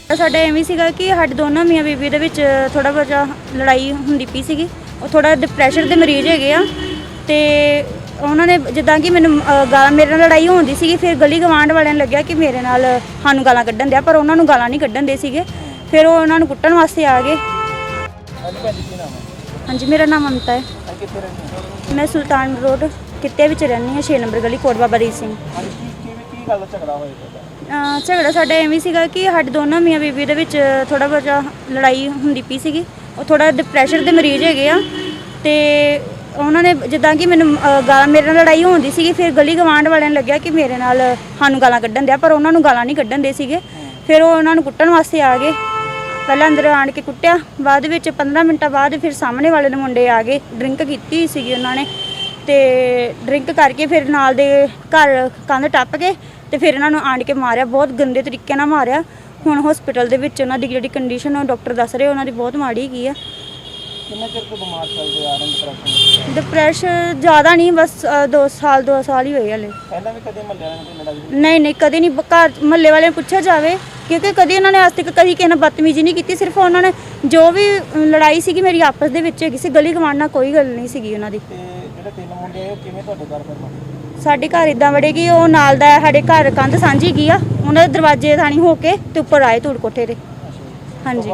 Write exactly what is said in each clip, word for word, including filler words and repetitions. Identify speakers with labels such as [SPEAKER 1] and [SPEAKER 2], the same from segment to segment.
[SPEAKER 1] ਸਾਡਾ ਐਵੇਂ ਸੀਗਾ ਕਿ ਸਾਡੇ ਦੋਨੋਂ ਮੀਆਂ ਬੀਬੀ ਦੇ ਵਿੱਚ ਥੋੜਾ ਬਹੁਤਾ ਲੜਾਈ ਹੁੰਦੀ ਪਈ ਸੀਗੀ। ਉਹ ਥੋੜਾ ਡਿਪਰੈਸ਼ਨ ਦੇ ਮਰੀਜ਼ ਹੈਗੇ ਆ ਤੇ ਉਹਨਾਂ ਨੇ ਜਿੱਦਾਂ ਕਿ ਮੈਨੂੰ ਗਾਲਾਂ ਮੇਰੇ ਨਾਲ ਲੜਾਈ ਹੁੰਦੀ ਸੀਗੀ। ਫਿਰ ਗਲੀ ਗਵਾਂਢ ਵਾਲਿਆਂ ਨੂੰ ਲੱਗਿਆ ਕਿ ਮੇਰੇ ਨਾਲ ਸਾਨੂੰ ਗਾਲਾਂ ਕੱਢਣ ਦਿਆ, ਪਰ ਉਹਨਾਂ ਨੂੰ ਗਾਲਾਂ ਨਹੀਂ ਕੱਢਣ ਦੇ ਸੀਗੇ। ਫਿਰ ਉਹ ਉਹਨਾਂ ਨੂੰ ਕੁੱਟਣ ਵਾਸਤੇ ਆ ਗਏ। ਹਾਂਜੀ, ਮੇਰਾ ਨਾਮ ਮਮਤਾ ਹੈ। ਮੈਂ ਸੁਲਤਾਨ ਰੋਡ ਕਿੱਤੇ ਵਿੱਚ ਰਹਿੰਦੀ ਹਾਂ, ਛੇ ਨੰਬਰ ਗਲੀ, ਕੋਟ ਬਾਬਾ ਦੀਪ ਸਿੰਘ। ਝਗੜਾ ਸਾਡਾ ਐਵੇਂ ਸੀਗਾ ਕਿ ਸਾਡੇ ਦੋਨੋਂ ਮੀਆਂ ਬੀਬੀ ਦੇ ਵਿੱਚ ਥੋੜਾ ਬਹੁਤਾ ਲੜਾਈ ਹੁੰਦੀ ਪਈ ਸੀਗੀ। ਉਹ ਥੋੜਾ ਡਿਪਰੈਸ਼ਨ ਦੇ ਮਰੀਜ਼ ਹੈਗੇ ਆ ਤੇ ਉਹਨਾਂ ਨੇ ਜਿੱਦਾਂ ਕਿ ਮੈਨੂੰ ਗਾਲਾਂ ਮੇਰੇ ਨਾਲ ਲੜਾਈ ਹੁੰਦੀ ਸੀਗੀ। ਫਿਰ ਗਲੀ ਗਵਾਂਢ ਵਾਲਿਆਂ ਨੂੰ ਲੱਗਿਆ ਕਿ ਮੇਰੇ ਨਾਲ ਸਾਨੂੰ ਗਾਲਾਂ ਕੱਢਣ ਦਿਆ, ਪਰ ਉਹਨਾਂ ਨੂੰ ਗਾਲਾਂ ਨਹੀਂ ਕੱਢਣ ਦੇ ਸੀਗੇ। ਫਿਰ ਉਹ ਉਹਨਾਂ ਨੂੰ ਕੁੱਟਣ ਵਾਸਤੇ ਆ ਗਏ। ਪਹਿਲਾਂ ਅੰਦਰ ਆਣ ਕੇ ਕੁੱਟਿਆ, ਬਾਅਦ ਵਿੱਚ ਪੰਦਰਾਂ ਮਿੰਟਾਂ ਬਾਅਦ ਫਿਰ ਸਾਹਮਣੇ ਵਾਲੇ ਦੇ ਮੁੰਡੇ ਆ ਗਏ। ਡਰਿੰਕ ਕੀਤੀ ਹੋਈ ਸੀਗੀ ਉਹਨਾਂ ਨੇ ਤੇ ਡਰਿੰਕ ਕਰਕੇ ਫਿਰ ਨਾਲ ਦੇ ਘਰ ਕੰਧ ਟੱਪ ਕੇ ਤੇ ਫਿਰ ਇਹਨਾਂ ਨੂੰ ਆਣ ਕੇ ਮਾਰਿਆ, ਬਹੁਤ ਗੰਦੇ ਤਰੀਕੇ ਨਾਲ ਮਾਰਿਆ। ਹੁਣ ਹਸਪੀਟਲ ਦੇ ਵਿੱਚ ਉਹਨਾਂ ਦੀ ਜਿਹੜੀ ਕੰਡੀਸ਼ਨ ਉਹ ਡਾਕਟਰ ਦੱਸ ਰਹੇ ਉਹਨਾਂ ਦੀ ਬਹੁਤ ਮਾੜੀ ਹੈਗੀ ਆ।
[SPEAKER 2] ਕਿੰਨਾ ਚਿਰ ਤੋਂ ਬਿਮਾਰ ਚੱਲਦੇ ਆ ਰਹੇ ਡਿਪਰੈਸ਼ਨ?
[SPEAKER 1] ਡਿਪਰੈਸ਼ਨ ਜ਼ਿਆਦਾ ਨਹੀਂ, ਬਸ ਦੋ ਸਾਲ ਦੋ ਸਾਲ ਹੀ ਹੋਏ ਹਲੇ।
[SPEAKER 2] ਪਹਿਲਾਂ ਵੀ ਕਦੇ ਮਹੱਲੇ ਵਾਲਿਆਂ ਨਾਲ ਲੜਾਈ?
[SPEAKER 1] ਨਹੀਂ ਨਹੀਂ, ਕਦੇ ਨਹੀਂ। ਘਰ ਮਹੱਲੇ ਵਾਲਿਆਂ ਨੂੰ ਪੁੱਛਿਆ ਜਾਵੇ ਕਿਉਂਕਿ ਕਦੇ ਉਹਨਾਂ ਨੇ ਅੱਜ ਤੱਕ ਕਦੀ ਕਿਸੇ ਨਾਲ ਬਦਤਮੀਜ਼ੀ ਨਹੀਂ ਕੀਤੀ। ਸਿਰਫ ਉਹਨਾਂ ਨੇ ਜੋ ਵੀ ਲੜਾਈ ਸੀਗੀ ਮੇਰੀ ਆਪਸ ਦੇ ਵਿੱਚ ਹੈਗੀ ਸੀ, ਗਲੀ ਗਵਾਂਢ ਨਾਲ ਕੋਈ ਗੱਲ ਨਹੀਂ ਸੀਗੀ ਉਹਨਾਂ ਦੀ।
[SPEAKER 2] ਤੇ ਜਿਹੜੇ ਤਿੰਨ ਮੁੰਡੇ ਆਏ ਉਹ ਕਿਵੇਂ ਤੁਹਾਡੇ ਘਰ ਫਿਰ?
[SPEAKER 1] ਸਾਡੇ ਘਰ ਇਦਾਂ ਵੜੇ ਕਿ ਉਹ ਨਾਲ ਦਾ ਸਾਡੇ ਘਰ ਕੰਧ ਸਾਂਝੀ ਗਈ ਆ, ਉਹਨਾਂ ਦੇ ਦਰਵਾਜ਼ੇ ਥਾਣੀ ਹੋ ਕੇ ਤੇ ਉੱਪਰ ਆਏ ਧੂੜ ਕੋਠੇ ਤੇ। ਹਾਂਜੀ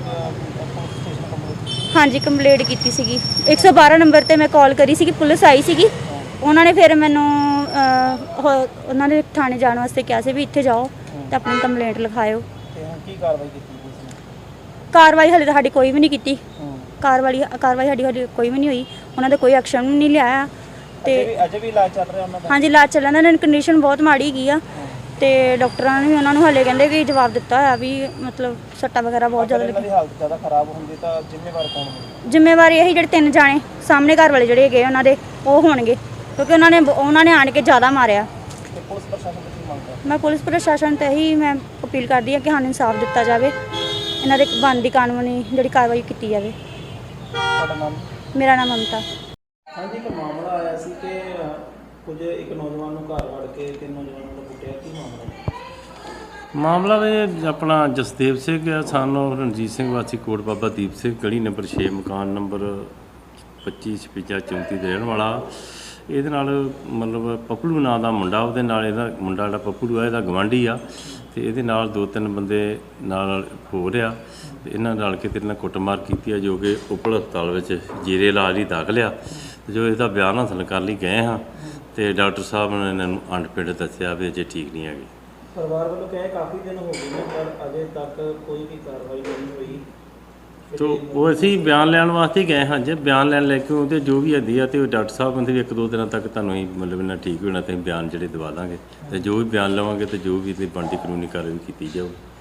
[SPEAKER 1] ਹਾਂਜੀ, ਕੰਪਲੇਂਟ ਕੀਤੀ ਸੀਗੀ। ਇੱਕ ਸੌ ਬਾਰਾਂ ਨੰਬਰ ਤੇ ਮੈਂ ਕਾਲ ਕਰੀ ਸੀਗੀ, ਪੁਲਿਸ ਆਈ ਸੀਗੀ। ਉਹਨਾਂ ਨੇ ਫਿਰ ਮੈਨੂੰ ਉਹਨਾਂ ਦੇ ਥਾਣੇ ਜਾਣ ਵਾਸਤੇ ਕਿਹਾ ਸੀ ਵੀ ਇੱਥੇ ਜਾਓ ਤੇ ਆਪਣੀ ਕੰਪਲੇਂਟ ਲਿਖਾਇਓ।
[SPEAKER 2] ਕੀ ਕਾਰਵਾਈ ਕੀਤੀ?
[SPEAKER 1] ਕਾਰਵਾਈ ਹਲੇ ਤਾਂ ਸਾਡੀ ਕੋਈ ਵੀ ਨਹੀਂ ਕੀਤੀ। ਕਾਰਵਾਈ ਕਾਰਵਾਈ ਸਾਡੀ ਸਾਡੀ ਕੋਈ ਵੀ ਨਹੀਂ ਹੋਈ। ਉਹਨਾਂ ਦਾ ਕੋਈ ਐਕਸ਼ਨ ਵੀ ਨਹੀਂ ਲਿਆ। ਤੇ
[SPEAKER 2] ਅਜੇ ਵੀ ਇਲਾਜ ਚੱਲ ਰਿਹਾ ਉਹਨਾਂ ਦਾ? ਹਾਂਜੀ,
[SPEAKER 1] ਇਲਾਜ ਚੱਲਣ ਦਾ। ਕੰਡੀਸ਼ਨ ਬਹੁਤ ਮਾੜੀ ਗਈ ਆ ਤੇ ਡਾਕਟਰਾਂ ਨੇ ਵੀ ਉਹਨਾਂ ਨੂੰ ਹਲੇ ਕਹਿੰਦੇ ਕਿ ਜਵਾਬ ਦਿੱਤਾ ਹੋਇਆ ਵੀ ਮਤਲਬ ਸੱਟਾਂ ਵਗੈਰਾ ਬਹੁਤ ਜ਼ਿਆਦਾ
[SPEAKER 2] ਲੱਗੀ। ਹਾਲਤ ਜ਼ਿਆਦਾ ਖਰਾਬ ਹੁੰਦੀ ਤਾਂ ਜ਼ਿੰਮੇਵਾਰ ਕੌਣ ਹੋਵੇ?
[SPEAKER 1] ਜ਼ਿੰਮੇਵਾਰੀ ਇਹੀ ਜਿਹੜੇ ਤਿੰਨ ਜਾਣੇ ਸਾਹਮਣੇ ਘਰ ਵਾਲੇ ਜਿਹੜੇ ਹੈਗੇ ਉਹਨਾਂ ਦੇ ਉਹ ਹੋਣਗੇ, ਕਿਉਂਕਿ ਉਹਨਾਂ ਨੇ ਉਹਨਾਂ ਨੇ ਆਣ ਕੇ ਜ਼ਿਆਦਾ ਮਾਰਿਆ।
[SPEAKER 2] ਤੇ ਪੁਲਿਸ ਪ੍ਰਸ਼ਾਸਨ ਤੋਂ ਕੀ ਮੰਗ ਕਰਦੇ?
[SPEAKER 1] ਮੈਂ ਪੁਲਿਸ ਪ੍ਰਸ਼ਾਸਨ ਤੇ ਹੀ ਮੈਂ ਅਪੀਲ ਕਰਦੀ ਹਾਂ ਕਿ ਸਾਨੂੰ ਇਨਸਾਫ ਦਿੱਤਾ ਜਾਵੇ, ਇਹਨਾਂ ਦੇ ਬਣਦੀ ਕਾਨੂੰਨੀ ਜਿਹੜੀ ਕਾਰਵਾਈ ਕੀਤੀ ਜਾਵੇ।
[SPEAKER 2] ਤੁਹਾਡਾ ਨਾਮ?
[SPEAKER 1] ਮੇਰਾ ਨਾਮ ਮਮਤਾ।
[SPEAKER 2] ਹਾਂਜੀ, ਇੱਕ ਮਾਮਲਾ ਆਇਆ ਸੀ ਕਿ ਕੁਝ ਇੱਕ ਨੌਜਵਾਨ ਨੂੰ ਘਰ ਵੜ ਕੇ ਤਿੰਨ ਨੌਜਵਾਨਾਂ ਨੂੰ ਕੁੱਟਿਆ, ਕੀ ਮਾਮਲਾ?
[SPEAKER 3] ਮਾਮਲਾ ਵੀ ਆਪਣਾ ਜਸਦੇਵ ਸਿੰਘ ਆ, ਸਾਨੂੰ ਰਣਜੀਤ ਸਿੰਘ ਵਾਸੀ ਕੋਟ ਬਾਬਾ ਦੀਪ ਸਿੰਘ ਗਲੀ ਨੰਬਰ ਛੇ ਮਕਾਨ ਨੰਬਰ ਪੱਚੀ ਛਪੰਜਾ ਚੌਂਤੀ ਦੇ ਰਹਿਣ ਵਾਲਾ। ਇਹਦੇ ਨਾਲ ਮਤਲਬ ਪੱਪਲੂ ਨਾਂ ਦਾ ਮੁੰਡਾ, ਉਹਦੇ ਨਾਲ ਇਹਦਾ ਮੁੰਡਾ ਜਿਹੜਾ ਪੱਪਲੂ ਆ ਇਹਦਾ ਗਵਾਂਢੀ ਆ ਤੇ ਇਹਦੇ ਨਾਲ ਦੋ ਤਿੰਨ ਬੰਦੇ ਨਾਲ ਹੋ ਰਿਹਾ ਤੇ ਇਹਨਾਂ ਨਾਲ ਕੇ ਤੇਰੇ ਨਾਲ ਕੁੱਟਮਾਰ ਕੀਤੀ ਆ, ਜੋ ਕਿ ਉਪਲ ਹਸਪਤਾਲ ਵਿੱਚ ਜੀਰੇ ਇਲਾਜ ਲਈ ਦਾਖਲ ਆ। ਜੋ ਇਹਦਾ ਬਿਆਨ ਹਾਸਲ ਕਰਨ ਲਈ ਗਏ ਹਾਂ ਤੇ ਡਾਕਟਰ ਸਾਹਿਬ ਨੇ ਇਹਨਾਂ ਨੂੰ ਅੰਡਪਿੰਡ ਦੱਸਿਆ ਵੀ ਅਜੇ ਠੀਕ ਨਹੀਂ ਹੈਗੇ।
[SPEAKER 2] ਪਰਿਵਾਰ ਵੱਲੋਂ ਕਹੇ ਕਾਫੀ ਦਿਨ ਹੋ ਗਏ ਨੇ ਪਰ ਅਜੇ ਤੱਕ ਕੋਈ ਵੀ ਕਾਰਵਾਈ ਨਹੀਂ ਹੋਈ।
[SPEAKER 3] ਤੋ ਉਹ ਅਸੀਂ ਬਿਆਨ ਲੈਣ ਵਾਸਤੇ ਗਏ ਹਾਂ। ਜੇ ਬਿਆਨ ਲੈਣ ਲੈ ਕੇ ਉਹਦੇ ਜੋ ਵੀ ਹੱਦੀ ਆ ਤੇ ਉਹ ਡਾਕਟਰ ਸਾਹਿਬ ਕਹਿੰਦੇ ਵੀ ਇੱਕ ਦੋ ਦਿਨਾਂ ਤੱਕ ਤੁਹਾਨੂੰ ਹੀ ਮਤਲਬ ਇਹਨਾਂ ਠੀਕ ਹੋਣਾ ਤੇ ਬਿਆਨ ਜਿਹੜੇ ਦਵਾ ਦਾਂਗੇ ਤੇ ਜੋ ਵੀ ਬਿਆਨ ਲਵਾਂਗੇ ਤੇ ਜੋ ਵੀ ਇਹਦੀ ਬਣਦੀ ਕਾਨੂੰਨੀ ਕਾਰਵਾਈ ਕੀਤੀ ਜਾਊ।